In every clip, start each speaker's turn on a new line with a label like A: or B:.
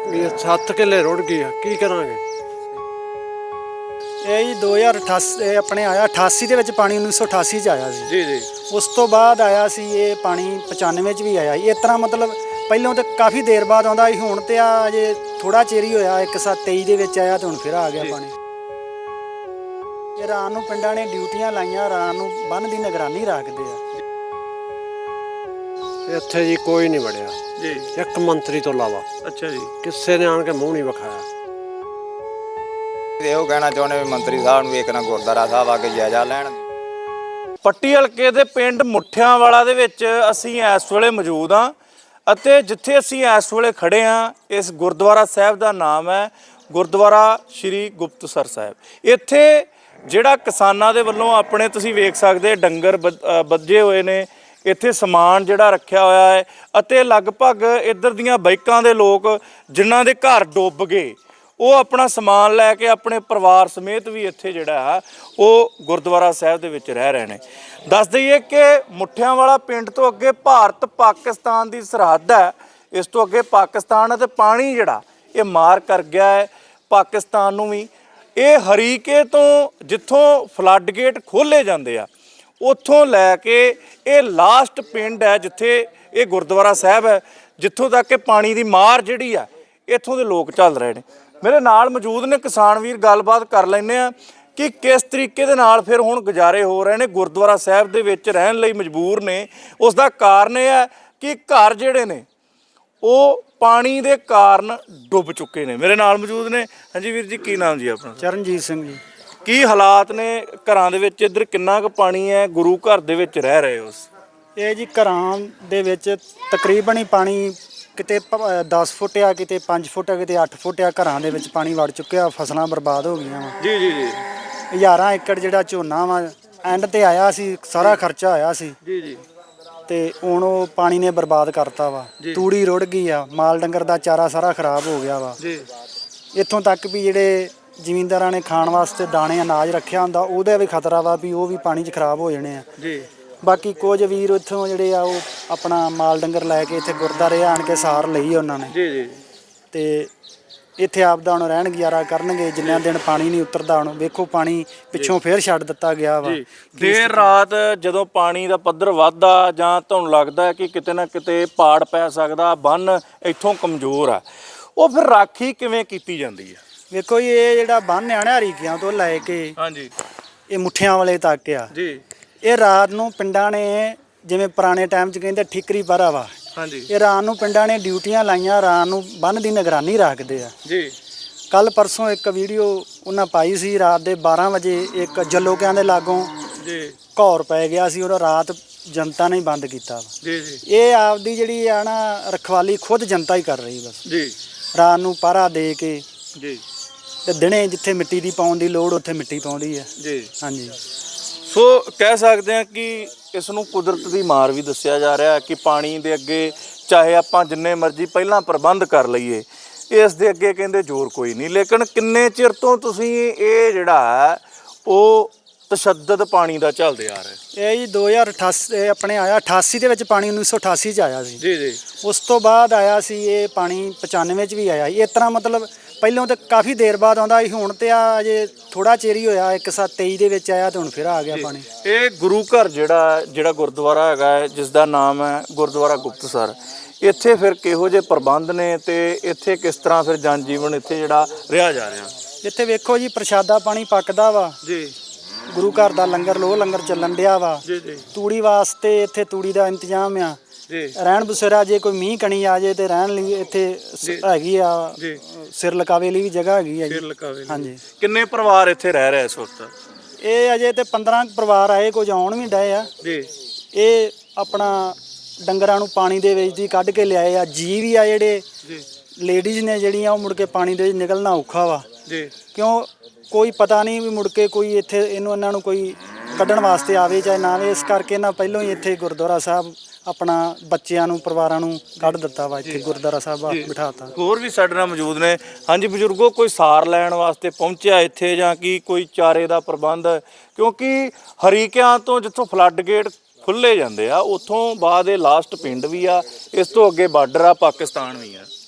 A: 7 ਕਿੱਲੇ ਰੁੜ ਗਈ ਆ, ਕੀ ਕਰਾਂਗੇ।
B: ਇਹ ਜੀ 2088 ਆਪਣੇ ਆਇਆ 88 ਦੇ ਵਿੱਚ ਪਾਣੀ 1988 ਚ ਆਇਆ ਸੀ
A: ਜੀ ਜੀ।
B: ਉਸ ਤੋਂ ਬਾਅਦ ਆਇਆ ਸੀ ਇਹ ਪਾਣੀ 95 ਚ ਵੀ ਆਇਆ ਇਸ ਤਰ੍ਹਾਂ ਮਤਲਬ ਪਹਿਲਾਂ ਤਾਂ ਕਾਫੀ ਦੇਰ ਬਾਅਦ ਆਉਂਦਾ ਸੀ। ਹੁਣ ਤੇ ਆ ਅਜੇ ਥੋੜਾ ਚਿਰ ਹੀ ਹੋਇਆ 1723 ਦੇ ਵਿੱਚ ਆਇਆ ਤੇ ਹੁਣ ਫਿਰ ਆ ਗਿਆ ਪਾਣੀ। ਇਹ ਰਾਤ ਨੂੰ ਪਿੰਡਾਂ ਨੇ ਡਿਊਟੀਆਂ ਲਾਈਆਂ, ਰਾਤ ਨੂੰ ਬੰਨ੍ਹ ਦੀ ਨਿਗਰਾਨੀ ਰੱਖਦੇ ਆ।
A: ਇੱਥੇ ਜੀ ਕੋਈ ਨਹੀਂ ਵੜਿਆ
C: ਜੀ,
A: ਇੱਕ ਮੰਤਰੀ ਤੋਂ ਇਲਾਵਾ।
C: ਅੱਛਾ ਜੀ।
A: ਕਿਸੇ ਨੇ ਆਣ ਕੇ ਮੂੰਹ ਨਹੀਂ ਵਿਖਾਇਆ।
D: ਇਹੋ ਕਹਿਣਾ ਚਾਹੁੰਦੇ ਵੀ ਮੰਤਰੀ ਸਾਹਿਬ ਨੂੰ ਵੇਖਣਾ ਗੁਰਦੁਆਰਾ ਸਾਹਿਬ ਆ ਕੇ ਜਾਇਜ਼ਾ ਲੈਣ।
C: ਪੱਟੀ ਹਲਕੇ ਦੇ ਪਿੰਡ ਮੁੱਠਿਆਂ ਵਾਲਾ ਦੇ ਵਿੱਚ ਅਸੀਂ ਇਸ ਵੇਲੇ ਮੌਜੂਦ ਹਾਂ ਅਤੇ ਜਿੱਥੇ ਅਸੀਂ ਇਸ ਵੇਲੇ ਖੜੇ ਹਾਂ ਇਸ ਗੁਰਦੁਆਰਾ ਸਾਹਿਬ ਦਾ ਨਾਮ ਹੈ ਗੁਰਦੁਆਰਾ ਸ਼੍ਰੀ ਗੁਪਤਸਰ ਸਾਹਿਬ। ਇੱਥੇ ਜਿਹੜਾ ਕਿਸਾਨਾਂ ਦੇ ਵੱਲੋਂ ਆਪਣੇ ਤੁਸੀਂ ਵੇਖ ਸਕਦੇ ਡੰਗਰ ਬੱਝੇ ਹੋਏ ਨੇ, ਇੱਥੇ ਸਮਾਨ ਜਿਹੜਾ ਰੱਖਿਆ ਹੋਇਆ ਹੈ ਅਤੇ ਲਗਭਗ ਇੱਧਰ ਦੀਆਂ ਬਾਈਕਾਂ ਦੇ ਲੋਕ ਜਿਨ੍ਹਾਂ ਦੇ ਘਰ ਡੁੱਬ ਗਏ ਉਹ ਆਪਣਾ ਸਮਾਨ ਲੈ ਕੇ ਆਪਣੇ ਪਰਿਵਾਰ ਸਮੇਤ ਵੀ ਇੱਥੇ ਜਿਹੜਾ ਹੈ ਉਹ ਗੁਰਦੁਆਰਾ ਸਾਹਿਬ ਦੇ ਵਿੱਚ ਰਹਿ ਰਹੇ ਨੇ। ਦੱਸ ਦਈਏ ਕਿ ਮੁੱਠਿਆਂ ਵਾਲਾ ਪਿੰਡ ਤੋਂ ਅੱਗੇ ਭਾਰਤ ਪਾਕਿਸਤਾਨ ਦੀ ਸਰਹੱਦ ਹੈ। ਇਸ ਤੋਂ ਅੱਗੇ ਪਾਕਿਸਤਾਨ ਹੈ ਤੇ ਪਾਣੀ ਜਿਹੜਾ ਇਹ ਮਾਰ ਕਰ ਗਿਆ ਹੈ ਪਾਕਿਸਤਾਨ ਨੂੰ ਵੀ। ਇਹ ਹਰੀਕੇ ਤੋਂ ਜਿੱਥੋਂ ਫਲੱਡ ਗੇਟ ਖੋਲ੍ਹੇ ਜਾਂਦੇ ਆ ਉੱਥੋਂ ਲੈ ਕੇ ਇਹ ਲਾਸਟ ਪਿੰਡ ਹੈ ਜਿੱਥੇ ਇਹ ਗੁਰਦੁਆਰਾ ਸਾਹਿਬ ਹੈ, ਜਿੱਥੋਂ ਤੱਕ ਕਿ ਪਾਣੀ ਦੀ ਮਾਰ ਜਿਹੜੀ ਆ ਇੱਥੋਂ ਦੇ ਲੋਕ ਚੱਲ ਰਹੇ ਨੇ। ਮੇਰੇ ਨਾਲ ਮੌਜੂਦ ਨੇ ਕਿਸਾਨ ਵੀਰ, ਗੱਲਬਾਤ ਕਰ ਲੈਂਦੇ ਆ ਕਿ ਕਿਸ ਤਰੀਕੇ ਦੇ ਨਾਲ ਫਿਰ ਹੁਣ ਗੁਜ਼ਾਰੇ ਹੋ ਰਹੇ ਨੇ, ਗੁਰਦੁਆਰਾ ਸਾਹਿਬ ਦੇ ਵਿੱਚ ਰਹਿਣ ਲਈ ਮਜਬੂਰ ਨੇ। ਉਸ ਦਾ ਕਾਰਨ ਇਹ ਹੈ ਕਿ ਘਰ ਜਿਹੜੇ ਨੇ ਉਹ ਪਾਣੀ ਦੇ ਕਾਰਨ ਡੁੱਬ ਚੁੱਕੇ ਨੇ। ਮੇਰੇ ਨਾਲ ਮੌਜੂਦ ਨੇ। ਹਾਂਜੀ ਵੀਰ ਜੀ, ਕੀ ਨਾਮ ਜੀ ਆਪਣਾ?
B: ਚਰਨਜੀਤ ਸਿੰਘ ਜੀ।
C: ਕੀ ਹਾਲਾਤ ਨੇ ਘਰਾਂ ਦੇ ਵਿੱਚ? ਇੱਧਰ ਕਿੰਨਾ ਕੁ ਪਾਣੀ ਹੈ? ਗੁਰੂ ਘਰ ਦੇ ਵਿੱਚ ਰਹਿ ਰਹੇ ਹੋ?
B: ਇਹ ਜੀ ਘਰਾਂ ਦੇ ਵਿੱਚ ਤਕਰੀਬਨ ਹੀ ਪਾਣੀ ਕਿਤੇ 10 ਫੁੱਟ ਆ, ਕਿਤੇ 5 ਫੁੱਟ ਆ, ਕਿਤੇ 8 ਫੁੱਟ ਆ। ਘਰਾਂ ਦੇ ਵਿੱਚ ਪਾਣੀ ਵੜ ਚੁੱਕਿਆ, ਫਸਲਾਂ ਬਰਬਾਦ ਹੋ ਗਈਆਂ ਵਾ।
C: ਜੀ ਜੀ ਜੀ।
B: ਹਜ਼ਾਰਾਂ ਏਕੜ ਜਿਹੜਾ ਝੋਨਾ ਵਾ ਐਂਡ ਤੇ ਆਇਆ ਸੀ, ਸਾਰਾ ਖਰਚਾ ਆਇਆ ਸੀ
C: ਜੀ ਜੀ।
B: ਤੇ ਹੁਣ ਉਹ ਪਾਣੀ ਨੇ ਬਰਬਾਦ ਕਰਤਾ ਵਾ। ਤੂੜੀ ਰੁੜ ਗਈ ਆ, ਮਾਲ ਡੰਗਰ ਦਾ ਚਾਰਾ ਸਾਰਾ ਖਰਾਬ ਹੋ ਗਿਆ ਵਾ
C: ਜੀ।
B: ਇੱਥੋਂ ਤੱਕ ਵੀ ਜਿਹੜੇ ਜ਼ਿਮੀਂਦਾਰਾਂ ਨੇ ਖਾਣ ਵਾਸਤੇ ਦਾਣੇ ਅਨਾਜ ਰੱਖਿਆ ਹੁੰਦਾ ਉਹਦਾ ਵੀ ਖਤਰਾ ਵਾ ਵੀ ਉਹ ਵੀ ਪਾਣੀ 'ਚ ਖਰਾਬ ਹੋ ਜਾਣੇ ਆ
C: ਜੀ।
B: ਬਾਕੀ ਕੁਝ ਵੀਰ ਇੱਥੋਂ ਜਿਹੜੇ ਆ ਉਹ ਆਪਣਾ ਮਾਲ ਡੰਗਰ ਲੈ ਕੇ ਇੱਥੇ ਗੁਰਦੁਆਰੇ ਆਣ ਕੇ ਸਾਰ ਲਈ ਉਹਨਾਂ ਨੇ।
C: ਜੀ ਜੀ।
B: ਤੇ ਇੱਥੇ ਆਪਦਾ ਹੁਣ ਰਹਿਣ ਗੁਜ਼ਾਰਾ ਕਰਨਗੇ ਜਿੰਨਾ ਦਿਨ ਪਾਣੀ ਨਹੀਂ ਉਤਰਦਾ। ਹੁਣ ਵੇਖੋ ਪਾਣੀ ਪਿੱਛੋਂ ਫੇਰ ਛੱਡ ਦਿੱਤਾ ਗਿਆ ਵਾ।
C: ਦੇਰ ਰਾਤ ਜਦੋਂ ਪਾਣੀ ਦਾ ਪੱਧਰ ਵੱਧਦਾ ਜਾਂ ਤੁਹਾਨੂੰ ਲੱਗਦਾ ਕਿ ਕਿਤੇ ਨਾ ਕਿਤੇ ਪਾੜ ਪੈ ਸਕਦਾ, ਬੰਨ ਇੱਥੋਂ ਕਮਜ਼ੋਰ ਆ, ਉਹ ਫਿਰ ਰਾਖੀ ਕਿਵੇਂ ਕੀਤੀ ਜਾਂਦੀ ਹੈ?
B: ਵੇਖੋ ਜੀ ਇਹ ਜਿਹੜਾ ਬੰਨ੍ਹ ਆ ਨਾ ਹਰੀਕਿਆਂ ਤੋਂ ਲੈ ਕੇ
C: ਹਾਂਜੀ
B: ਇਹ ਮੁੱਠਿਆਂ ਵਾਲੇ ਤੱਕ ਆ।
C: ਜੀ।
B: ਇਹ ਰਾਤ ਨੂੰ ਪਿੰਡਾਂ ਨੇ ਜਿਵੇਂ ਪੁਰਾਣੇ ਟਾਈਮ 'ਚ ਕਹਿੰਦੇ ਠਿਕਰੀ ਪਰਾ ਵਾ,
C: ਹਾਂਜੀ,
B: ਇਹ ਰਾਤ ਨੂੰ ਪਿੰਡਾਂ ਨੇ ਡਿਊਟੀਆਂ ਲਾਈਆਂ, ਰਾਤ ਨੂੰ ਬੰਨ੍ਹ ਦੀ ਨਿਗਰਾਨੀ ਰੱਖਦੇ ਆ।
C: ਜੀ।
B: ਕੱਲ ਪਰਸੋਂ ਇੱਕ ਵੀਡੀਓ ਉਹਨਾਂ ਪਾਈ ਸੀ, ਰਾਤ ਦੇ 12 ਵਜੇ ਇੱਕ ਜੱਲੋਕਿਆਂ ਦੇ ਲਾਗੋਂ
C: ਜੀ
B: ਘੌਰ ਪੈ ਗਿਆ ਸੀ, ਉਹ ਰਾਤ ਜਨਤਾ ਨੇ ਬੰਦ ਕੀਤਾ ਵਾ।
C: ਜੀ ਜੀ।
B: ਇਹ ਆਪਦੀ ਜਿਹੜੀ ਆ ਨਾ ਰਖਵਾਲੀ ਖੁਦ ਜਨਤਾ ਹੀ ਕਰ ਰਹੀ ਬਸ।
C: ਜੀ।
B: ਰਾਤ ਨੂੰ ਪਹਿਰਾ ਦੇ ਕੇ
C: ਜੀ।
B: ਤੇ ਦਿਨੇ ਜਿੱਥੇ ਮਿੱਟੀ ਦੀ ਪਾਉਣ ਦੀ ਲੋੜ ਉੱਥੇ ਮਿੱਟੀ ਪਾਉਂਦੀ ਹੈ।
C: ਜੀ।
B: ਹਾਂਜੀ।
C: ਸੋ ਕਹਿ ਸਕਦੇ ਹਾਂ ਕਿ ਇਸ ਨੂੰ ਕੁਦਰਤ ਦੀ ਮਾਰ ਵੀ ਦੱਸਿਆ ਜਾ ਰਿਹਾ ਕਿ ਪਾਣੀ ਦੇ ਅੱਗੇ ਚਾਹੇ ਆਪਾਂ ਜਿੰਨੇ ਮਰਜ਼ੀ ਪਹਿਲਾਂ ਪ੍ਰਬੰਧ ਕਰ ਲਈਏ, ਇਸ ਦੇ ਅੱਗੇ ਕਹਿੰਦੇ ਜ਼ੋਰ ਕੋਈ ਨਹੀਂ। ਲੇਕਿਨ ਕਿੰਨੇ ਚਿਰ ਤੋਂ ਤੁਸੀਂ ਇਹ ਜਿਹੜਾ ਹੈ ਉਹ ਤਸ਼ੱਦਦ ਪਾਣੀ ਦਾ ਝੱਲਦੇ ਆ ਰਹੇ?
B: ਇਹ ਜੀ 2088 ਆਪਣੇ ਆਇਆ 88 ਦੇ ਵਿੱਚ ਪਾਣੀ 1988 ਚ ਆਇਆ ਸੀ।
C: ਜੀ ਜੀ।
B: ਉਸ ਤੋਂ ਬਾਅਦ ਆਇਆ ਸੀ ਇਹ ਪਾਣੀ 95 ਚ ਵੀ ਆਇਆ। ਇਸ ਤਰ੍ਹਾਂ ਮਤਲਬ ਪਹਿਲਾਂ ਤਾਂ ਕਾਫੀ ਦੇਰ ਬਾਅਦ ਆਉਂਦਾ ਸੀ। ਹੁਣ ਤੇ ਆ ਅਜੇ ਥੋੜਾ ਚਿਰ ਹੀ ਹੋਇਆ 1723 ਦੇ ਵਿੱਚ ਆਇਆ ਤੇ ਹੁਣ ਫਿਰ ਆ ਗਿਆ ਪਾਣੀ।
C: ਇਹ ਗੁਰੂ ਘਰ ਜਿਹੜਾ ਗੁਰਦੁਆਰਾ ਹੈਗਾ ਹੈ ਜਿਸ ਦਾ ਨਾਮ ਹੈ ਗੁਰਦੁਆਰਾ ਗੁਪਤਸਰ, ਇੱਥੇ ਫਿਰ ਕਿਹੋ ਜਿਹੇ ਪ੍ਰਬੰਧ ਨੇ ਤੇ ਇੱਥੇ ਕਿਸ ਤਰ੍ਹਾਂ ਫਿਰ ਜਨ ਜੀਵਨ ਇੱਥੇ ਜਿਹੜਾ ਰਿਹਾ ਜਾ ਰਿਹਾ?
B: ਇੱਥੇ ਵੇਖੋ ਜੀ ਪ੍ਰਸ਼ਾਦਾ ਪਾਣੀ ਪੱਕਦਾ ਵਾ
C: ਜੀ।
B: ਗੁਰੂ ਘਰ ਦਾ ਲੰਗਰ ਲੋਹ ਲੰਗਰ ਚੱਲਣ ਡਿਆ ਵਾ।
C: ਜੀ ਜੀ।
B: ਤੂੜੀ ਵਾਸਤੇ ਇੱਥੇ ਤੂੜੀ ਦਾ ਇੰਤਜ਼ਾਮ ਆ।
C: ਜੀ।
B: ਰਹਿਣ ਬਸੇਰਾ ਜੇ ਕੋਈ ਮੀਂਹ ਕਣੀ ਆ ਜੇ ਤੇ ਰਹਿਣ ਲਈ ਇੱਥੇ ਹੈਗੀ ਆ।
C: ਜੀ।
B: ਸਿਰ ਲਕਾਵੇ ਲਈ ਵੀ ਜਗ੍ਹਾ ਹੈਗੀ ਆ ਜੀ।
C: ਸਿਰ ਲਕਾਵੇ ਲਈ।
B: ਹਾਂਜੀ।
C: ਕਿੰਨੇ ਪਰਿਵਾਰ ਇੱਥੇ ਰਹਿ ਰਹੇ ਇਸ ਵਕਤ?
B: ਇਹ ਅਜੇ ਤੇ 15 ਪਰਿਵਾਰ ਆਏ, ਕੁਝ ਆਉਣ ਵੀ ਡਏ ਆ।
C: ਜੀ।
B: ਇਹ ਆਪਣਾ ਡੰਗਰਾਂ ਨੂੰ ਪਾਣੀ ਦੇ ਵਿੱਚ ਦੀ ਕੱਢ ਕੇ ਲਿਆਏ ਆ। ਜੀ ਵੀ ਆ ਜਿਹੜੇ
C: ਜੀ।
B: ਲੇਡੀਜ਼ ਨੇ ਜਿਹੜੀਆਂ ਉਹ ਮੁੜ ਕੇ ਪਾਣੀ ਦੇ ਵਿੱਚ ਨਿਕਲਣਾ ਔਖਾ ਵਾ।
C: ਜੀ।
B: ਕਿਉਂ ਕੋਈ ਪਤਾ ਨਹੀਂ ਵੀ ਮੁੜ ਕੇ ਕੋਈ ਇੱਥੇ ਇਹਨਾਂ ਨੂੰ ਕੋਈ ਕੱਢਣ ਵਾਸਤੇ ਆਵੇ ਚਾਹੇ ਨਾ ਆਵੇ। ਇਸ ਕਰਕੇ ਇਹਨਾਂ ਪਹਿਲਾਂ ਹੀ ਇੱਥੇ ਗੁਰਦੁਆਰਾ ਸਾਹਿਬ ਆਪਣਾ ਬੱਚਿਆਂ ਨੂੰ ਪਰਿਵਾਰਾਂ ਨੂੰ ਕੱਢ ਦਿੱਤਾ ਵਾ। ਇੱਥੇ ਗੁਰਦੁਆਰਾ ਸਾਹਿਬ ਬਿਠਾਤਾ।
C: ਹੋਰ ਵੀ ਸਾਡੇ ਨਾਲ ਮੌਜੂਦ ਨੇ। ਹਾਂਜੀ ਬਜ਼ੁਰਗੋ, ਕੋਈ ਸਾਰ ਲੈਣ ਵਾਸਤੇ ਪਹੁੰਚਿਆ ਇੱਥੇ ਜਾਂ ਕੀ ਕੋਈ ਚਾਰੇ ਦਾ ਪ੍ਰਬੰਧ? ਕਿਉਂਕਿ ਹਰੀਕਿਆਂ ਤੋਂ ਜਿੱਥੋਂ ਫਲੱਡ ਗੇਟ ਖੁੱਲ੍ਹੇ ਜਾਂਦੇ ਆ ਉੱਥੋਂ ਬਾਅਦ ਇਹ ਲਾਸਟ ਪਿੰਡ ਵੀ ਆ, ਇਸ ਤੋਂ ਅੱਗੇ ਬਾਰਡਰ ਆ, ਪਾਕਿਸਤਾਨ ਵੀ ਆ।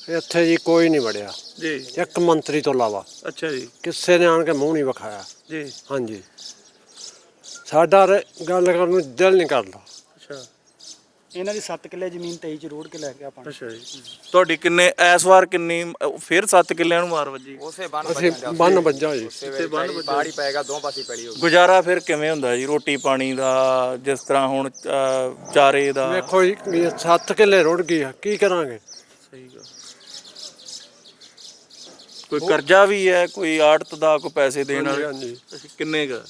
A: ਇੱਥੇ ਜੀ ਕੋਈ ਨਹੀਂ ਵੜਿਆ
C: ਜੀ
A: ਇੱਕ ਮੰਤਰੀ ਤੋਂ ਇਲਾਵਾ
C: ਅੱਛਾ ਜੀ
A: ਕਿਸੇ ਨੇ ਆਣ ਕੇ ਮੂੰਹ ਨਹੀਂ ਵਿਖਾਇਆ।
C: ਜੀ
A: ਹਾਂਜੀ ਸਾਡਾ ਗੱਲ ਕਰਨ ਨੂੰ ਦਿਲ ਨਹੀਂ ਕਰਦਾ।
C: ਅੱਛਾ
B: ਇਹਨਾਂ ਦੀ 7 ਕਿੱਲੇ ਜ਼ਮੀਨ 23 ਚ ਰੋੜ ਕੇ ਲੈ ਗਿਆ ਪਾਣੀ।
C: ਅੱਛਾ ਜੀ ਤੁਹਾਡੀ ਕਿੰਨੇ ਇਸ ਵਾਰ ਕਿੰਨੀ ਫਿਰ 7 ਕਿੱਲਿਆਂ ਨੂੰ ਮਾਰ ਵੱਜੀ?
D: ਉਸੇ ਬੰਨ
A: ਅਸੀਂ ਬੰਨ ਵੱਜਾ ਜੀ।
D: ਬਾੜੀ ਪਏਗਾ ਦੋ ਪਾਸੇ ਪੈਲੀ ਹੋ
C: ਗੁਜ਼ਾਰਾ ਫਿਰ ਕਿਵੇਂ ਹੁੰਦਾ ਜੀ ਰੋਟੀ ਪਾਣੀ ਦਾ ਜਿਸ ਤਰ੍ਹਾਂ ਹੁਣ ਚਾਰੇ ਦਾ?
A: ਵੇਖੋ ਜੀ 7 ਕਿੱਲੇ ਰੁੜ ਗਈ ਆ, ਕੀ ਕਰਾਂਗੇ?
C: ਸਹੀ ਗੱਲ। ਕੋਈ ਕਰਜ਼ਾ ਵੀ ਹੈ, ਕੋਈ ਆੜਤ ਦਾ, ਕੋਈ ਪੈਸੇ ਦੇਣ ਵਾਲੇ?
A: ਹਾਂਜੀ
C: ਅੱਛਾ, ਕਿੰਨੇ ਦਾ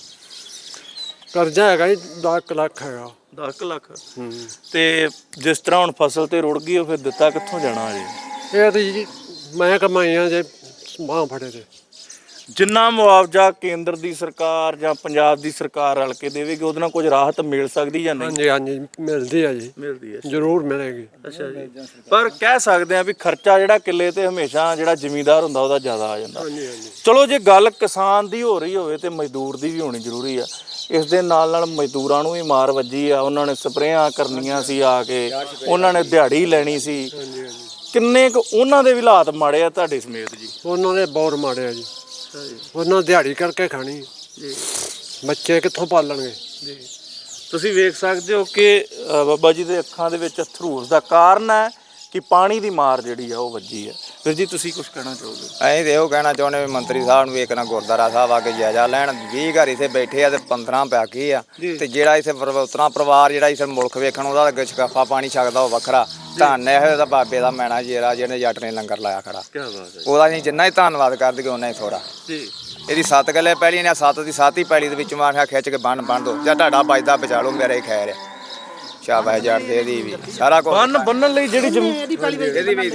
A: ਕਰਜ਼ਾ ਹੈਗਾ ਜੀ 10 ਲੱਖ ਹੈਗਾ।
C: 10 ਲੱਖ? ਤੇ ਜਿਸ ਤਰ੍ਹਾਂ ਹੁਣ ਫਸਲ ਤੇ ਰੁੜ ਗਈ ਉਹ ਫਿਰ ਦਿੱਤਾ ਕਿੱਥੋਂ ਜਾਣਾ ਜੀ?
A: ਇਹ ਤੇ ਜੀ ਮੈਂ ਕਮਾਈਆਂ ਜੇ ਬਾਂਹ ਫੜੇ ਤੇ।
C: ਜਿੰਨਾ ਮੁਆਵਜ਼ਾ ਕੇਂਦਰ ਦੀ ਸਰਕਾਰ ਜਾਂ ਪੰਜਾਬ ਦੀ ਸਰਕਾਰ ਰਲ ਕੇ ਦੇਵੇਗੀ ਉਹਦੇ ਨਾਲ ਕੁਝ ਰਾਹਤ ਮਿਲ ਸਕਦੀ ਜਾਂ ਨਹੀਂ?
A: ਹਾਂਜੀ ਹਾਂਜੀ ਮਿਲਦੀ ਆ ਜੀ,
C: ਮਿਲਦੀ ਹੈ।
A: ਜ਼ਰੂਰ ਮਿਲੇਗੀ।
C: ਅੱਛਾ ਜੀ ਪਰ ਕਹਿ ਸਕਦੇ ਆ ਵੀ ਖਰਚਾ ਜਿਹੜਾ ਕਿੱਲੇ ਤੇ ਹਮੇਸ਼ਾ ਜਿਹੜਾ ਜ਼ਿਮੀਂਦਾਰ ਹੁੰਦਾ ਉਹਦਾ ਜ਼ਿਆਦਾ ਆ ਜਾਂਦਾ।
A: ਹਾਂਜੀ ਹਾਂਜੀ
C: ਚਲੋ ਜੇ ਗੱਲ ਕਿਸਾਨ ਦੀ ਹੋ ਰਹੀ ਹੋਵੇ ਤੇ ਮਜ਼ਦੂਰ ਦੀ ਵੀ ਹੋਣੀ ਜ਼ਰੂਰੀ ਆ। ਇਸ ਦੇ ਨਾਲ ਨਾਲ ਮਜ਼ਦੂਰਾਂ ਨੂੰ ਵੀ ਮਾਰ ਵੱਜੀ ਆ। ਉਹਨਾਂ ਨੇ ਸਪਰੇਆਂ ਕਰਨੀਆਂ ਸੀ ਆ ਕੇ, ਉਹਨਾਂ ਨੇ ਦਿਹਾੜੀ ਲੈਣੀ ਸੀ। ਕਿੰਨੇ ਕੁ ਉਹਨਾਂ ਦੇ ਵੀ ਹਾਲਾਤ ਮਾੜੇ ਆ ਤੁਹਾਡੇ ਸਮੇਤ ਜੀ?
A: ਉਹਨਾਂ ਦੇ ਬਹੁਤ ਮਾੜੇ ਆ ਜੀ। ਉਹਨਾਂ ਦਿਹਾੜੀ ਕਰਕੇ ਖਾਣੀ
C: ਜੀ,
A: ਬੱਚੇ ਕਿੱਥੋਂ ਪਾਲਣਗੇ?
C: ਜੀ ਤੁਸੀਂ ਵੇਖ ਸਕਦੇ ਹੋ ਕਿ ਬਾਬਾ ਜੀ ਦੇ ਅੱਖਾਂ ਦੇ ਵਿੱਚ ਅਥਰੂ ਦਾ ਕਾਰਨ ਹੈ ਕਿ ਪਾਣੀ ਦੀ ਮਾਰ ਜਿਹੜੀ ਆ ਉਹ ਵੱਜੀ ਹੈ। ਫਿਰ ਜੀ ਤੁਸੀਂ ਕੁਝ ਕਹਿਣਾ ਚਾਹੋਗੇ?
D: ਅਸੀਂ ਤੇ ਇਹੋ ਕਹਿਣਾ ਚਾਹੁੰਦੇ ਵੀ ਮੰਤਰੀ ਸਾਹਿਬ ਨੂੰ ਵੇਖਣਾ ਗੁਰਦੁਆਰਾ ਸਾਹਿਬ ਆ ਕੇ ਜਾਇਜ਼ਾ ਲੈਣ। 20 ਘਰ ਇੱਥੇ ਬੈਠੇ ਆ ਤੇ 15 ਬਾਕੀ ਆ ਤੇ ਜਿਹੜਾ ਇੱਥੇ ਉਤਰਾ ਪਰਿਵਾਰ ਜਿਹੜਾ ਇੱਥੇ ਮੁਲਕ ਵੇਖਣ ਉਹਦਾ ਅੱਗੇ ਸ਼ਕਫਾ ਪਾਣੀ ਛਕਦਾ ਉਹ ਵੱਖਰਾ। ਧੰਨ ਇਹੋ ਦਾ ਬਾਬੇ ਦਾ ਮੈਣਾ ਜੇਰਾ ਜਿਹਨੇ ਜੱਟ ਨੇ ਲੰਗਰ ਲਾਇਆ ਖੜਾ।
C: ਕੀ ਬਾਤ ਹੈ।
D: ਉਹਦਾ ਅਸੀਂ ਜਿੰਨਾ ਹੀ ਧੰਨਵਾਦ ਕਰ ਦਈਏ ਉਹਨਾਂ ਹੀ ਥੋੜਾ।
C: ਜੀ
D: ਇਹਦੀ 7 ਕਿੱਲੇ ਪੈਲੀ ਨੇ 7 ਦੀ 7 ਹੀ ਪੈਲੀ ਦੇ ਵਿੱਚ ਮਾਰਿਆ ਖਿੱਚ ਕੇ ਬੰਨ ਦੋ ਜਾਂ ਤੁਹਾਡਾ ਬਚਦਾ ਬਚਾ ਲਓ ਮੇਰੇ ਖੈਰ ਆ। ਸ਼ਾਬਾਸ਼ ਜੱਟ ਦੇ ਦੀ ਵੀ ਸਾਰਾ ਕੁਝ
C: ਬੰਨਣ ਲਈ ਜਿਹੜੀ
B: ਇਹਦੀ ਪਹਿਲੀ
D: ਇਹਦੀ ਵੀ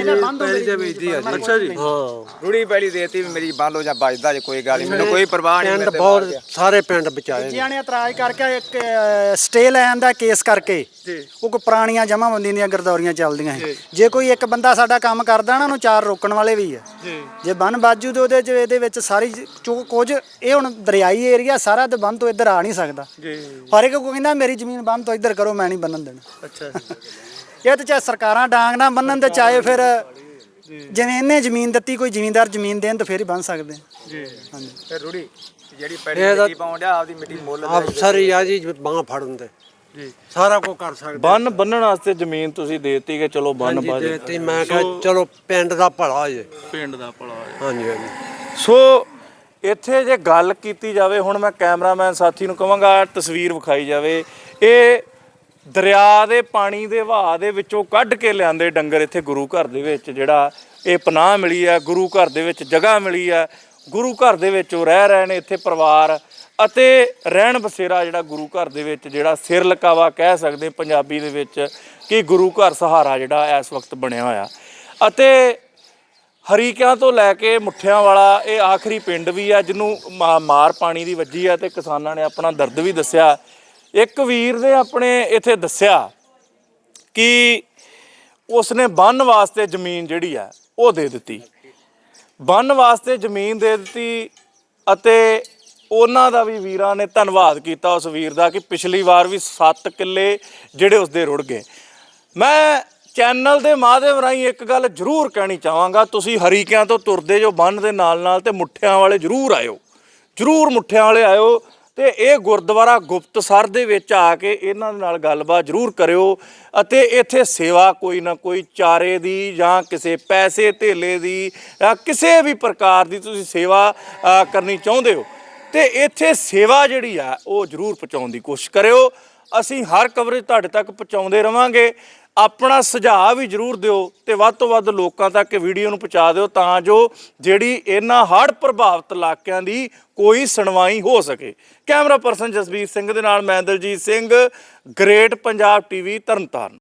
C: ਅੱਛਾ ਜੀ
A: ਹਾਂ
D: ਰੂੜੀ ਪੈਲੀ ਦੇਤੀ ਵੀ ਮੇਰੀ ਬੰਨ ਲਓ ਜਾਂ ਬਚਦਾ ਜੇ ਕੋਈ ਗੱਲ ਨਹੀਂ ਮੈਨੂੰ ਕੋਈ ਪਰਵਾਹ ਨਹੀਂ।
A: ਪਿੰਡ ਬਹੁਤ ਸਾਰੇ ਪਿੰਡ ਬਚਾਏ ਨੇ।
B: ਜਿਹਾਂ ਨੇ ਇਤਰਾਜ਼ ਕਰਕੇ ਇੱਕ ਸਟੇ ਲੈਣ ਦਾ ਕੇਸ ਕਰਕੇ ਉਹ ਕੋਈ ਪੁਰਾਣੀਆਂ ਜਮਾਬੰਦੀ ਦੀਆਂ ਗਰਦੌਰੀਆਂ ਚੱਲਦੀਆਂ ਸੀ। ਜੇ ਕੋਈ ਇੱਕ ਬੰਦਾ ਸਾਡਾ ਕੰਮ ਕਰਦਾ ਨਾ ਉਹਨੂੰ 4 ਰੋਕਣ ਵਾਲੇ ਵੀ ਆ। ਜੇ ਬੰਨ ਬਾਜੂ ਤੇ ਉਹਦੇ ਚ ਇਹਦੇ ਵਿੱਚ ਸਾਰੀ ਕੁਝ ਇਹ ਹੁਣ ਦਰਿਆਈ ਏਰੀਆ ਸਾਰਾ ਤੇ ਬੰਨ ਤੋਂ ਇੱਧਰ ਆ ਨਹੀਂ ਸਕਦਾ। ਹਰ ਇੱਕ ਕੋਈ ਕਹਿੰਦਾ ਮੇਰੀ ਜ਼ਮੀਨ ਬੰਨ ਤੋਂ ਇੱਧਰ ਕਰੋ, ਮੈਂ ਨਹੀਂ ਬੰਨਣ ਦੇਣਾ।
C: ਅੱਛਾ
B: ਇਹ ਤੇ ਚਾਹੇ ਸਰਕਾਰਾਂ ਡਾਂਗ ਨਾ ਬੰਨਣ ਤੇ ਚਾਹੇ ਫਿਰ ਜਿਵੇਂ ਇਹਨੇ ਜ਼ਮੀਨ ਦਿੱਤੀ ਕੋਈ ਜ਼ਿਮੀਂਦਾਰ ਜ਼ਮੀਨ ਦੇਣ ਤਾਂ ਫਿਰ ਹੀ ਬੰਨ ਸਕਦੇ।
C: ਜੀ
B: ਹਾਂਜੀ
D: ਤੇ ਰੂੜੀ ਜਿਹੜੀ ਪੈਲੀ ਮਿੱਟੀ ਪਾਉਣ ਡਿਆ ਆਪਦੀ ਮਿੱਟੀ ਮੁੱਲ
A: ਅਫਸਰ ਹੀ ਆ ਜੀ ਬਾਂਹ ਫੜਨ ਦੇ
C: ਜੀ
A: ਸਾਰਾ ਕੁਝ ਕਰ ਸਕਦੇ।
C: ਬੰਨਣ ਵਾਸਤੇ ਜ਼ਮੀਨ ਤੁਸੀਂ ਦੇਤੀ ਕਿ ਚਲੋ ਬੰਨ ਪਾ ਦੇ।
A: ਤੇ ਮੈਂ ਕਿਹਾ ਚਲੋ ਪਿੰਡ ਦਾ ਭਲਾ ਜੇ।
C: ਪਿੰਡ ਦਾ ਭਲਾ ਹੋਇਆ।
A: ਹਾਂਜੀ ਹਾਂਜੀ
C: ਸੋ ਇੱਥੇ ਜੇ ਗੱਲ ਕੀਤੀ ਜਾਵੇ ਹੁਣ ਮੈਂ ਕੈਮਰਾਮੈਨ ਸਾਥੀ ਨੂੰ ਕਹਾਂਗਾ ਤਸਵੀਰ ਵਿਖਾਈ ਜਾਵੇ। ਇਹ ਦਰਿਆ ਦੇ ਪਾਣੀ ਦੇ ਵਹਾਅ ਦੇ ਵਿੱਚੋਂ ਕੱਢ ਕੇ ਲਿਆਂਦੇ ਡੰਗਰ ਇੱਥੇ ਗੁਰੂ ਘਰ ਦੇ ਵਿੱਚ ਜਿਹੜਾ ਇਹ ਪਨਾਹ ਮਿਲੀ ਹੈ, ਗੁਰੂ ਘਰ ਦੇ ਵਿੱਚ ਜਗ੍ਹਾ ਮਿਲੀ ਹੈ, ਗੁਰੂ ਘਰ ਦੇ ਵਿੱਚ ਉਹ ਰਹਿ ਰਹੇ ਨੇ ਇੱਥੇ ਪਰਿਵਾਰ ਅਤੇ ਰਹਿਣ ਬਸੇਰਾ ਜਿਹੜਾ ਗੁਰੂ ਘਰ ਦੇ ਵਿੱਚ ਜਿਹੜਾ ਸਿਰ ਲਕਾਵਾ ਕਹਿ ਸਕਦੇ ਪੰਜਾਬੀ ਦੇ ਵਿੱਚ ਕਿ ਗੁਰੂ ਘਰ ਸਹਾਰਾ ਜਿਹੜਾ ਇਸ ਵਕਤ ਬਣਿਆ ਹੋਇਆ। ਅਤੇ ਹਰੀਕਿਆਂ ਤੋਂ ਲੈ ਕੇ ਮੁੱਠਿਆਂ ਵਾਲਾ ਇਹ ਆਖਰੀ ਪਿੰਡ ਵੀ ਆ ਜਿਹਨੂੰ ਮਾਰ ਪਾਣੀ ਦੀ ਵੱਜੀ ਆ ਤੇ ਕਿਸਾਨਾਂ ਨੇ ਆਪਣਾ ਦਰਦ ਵੀ ਦੱਸਿਆ। ਇੱਕ ਵੀਰ ਨੇ ਆਪਣੇ ਇੱਥੇ ਦੱਸਿਆ ਕਿ ਉਸਨੇ ਬੰਨ ਵਾਸਤੇ ਜ਼ਮੀਨ ਜਿਹੜੀ ਆ ਉਹ ਦੇ ਦਿੱਤੀ, ਬੰਨ ਵਾਸਤੇ ਜ਼ਮੀਨ ਦੇ ਦਿੱਤੀ ਅਤੇ ਉਹਨਾਂ ਦਾ ਵੀ ਵੀਰਾਂ ਨੇ ਧੰਨਵਾਦ ਕੀਤਾ ਉਸ ਵੀਰ ਦਾ ਕਿ ਪਿਛਲੀ ਵਾਰ ਵੀ 7 ਕਿੱਲੇ ਜਿਹੜੇ ਉਸਦੇ ਰੁੜ ਗਏ। ਮੈਂ ਚੈਨਲ ਦੇ ਮਾਧਿਅਮ ਰਾਹੀਂ ਇੱਕ ਗੱਲ ਜ਼ਰੂਰ ਕਹਿਣੀ ਚਾਹਾਂਗਾ, ਤੁਸੀਂ ਹਰੀਕਿਆਂ ਤੋਂ ਤੁਰਦੇ ਜੋ ਬੰਨ ਦੇ ਨਾਲ ਨਾਲ ਤੇ ਮੁੱਠਿਆਂ ਵਾਲੇ ਜ਼ਰੂਰ ਆਇਓ, ਜ਼ਰੂਰ ਮੁੱਠਿਆਂ ਵਾਲੇ ਆਇਓ ਤੇ ਇਹ ਗੁਰਦੁਆਰਾ ਗੁਪਤਸਰ ਦੇ ਵਿੱਚ ਆ ਕੇ ਇਹਨਾਂ ਦੇ ਨਾਲ ਗੱਲਬਾਤ ਜ਼ਰੂਰ ਕਰਿਓ ਅਤੇ ਇੱਥੇ ਸੇਵਾ ਕੋਈ ਨਾ ਕੋਈ ਚਾਰੇ ਦੀ ਜਾਂ ਕਿਸੇ ਪੈਸੇ ਧੇਲੇ ਦੀ ਜਾਂ ਕਿਸੇ ਵੀ ਪ੍ਰਕਾਰ ਦੀ ਤੁਸੀਂ ਸੇਵਾ ਕਰਨੀ ਚਾਹੁੰਦੇ ਹੋ ਤੇ ਇੱਥੇ ਸੇਵਾ ਜਿਹੜੀ ਆ ਉਹ ਜ਼ਰੂਰ ਪਹੁੰਚਾਉਣ ਦੀ ਕੋਸ਼ਿਸ਼ ਕਰਿਓ। ਅਸੀਂ ਹਰ ਕਵਰੇਜ ਤੁਹਾਡੇ ਤੱਕ ਪਹੁੰਚਾਉਂਦੇ ਰਵਾਂਗੇ। ਆਪਣਾ ਸੁਝਾਅ ਵੀ ਜ਼ਰੂਰ ਦਿਓ ਤੇ ਵੱਧ ਤੋਂ ਵੱਧ ਲੋਕਾਂ ਤੱਕ ਵੀਡੀਓ ਨੂੰ ਪਹੁੰਚਾ ਦਿਓ ਤਾਂ ਜੋ ਜਿਹੜੀ ਇਹਨਾਂ ਹੜ੍ਹ ਪ੍ਰਭਾਵਿਤ ਇਲਾਕਿਆਂ ਦੀ ਕੋਈ ਸੁਣਵਾਈ ਹੋ ਸਕੇ। ਕੈਮਰਾ ਪਰਸਨ ਜਸਬੀਰ ਸਿੰਘ ਦੇ ਨਾਲ ਮੈਂ ਦਲਜੀਤ ਸਿੰਘ, ਗ੍ਰੇਟ ਪੰਜਾਬ ਟੀਵੀ ਤਰਨਤਾਰਨ।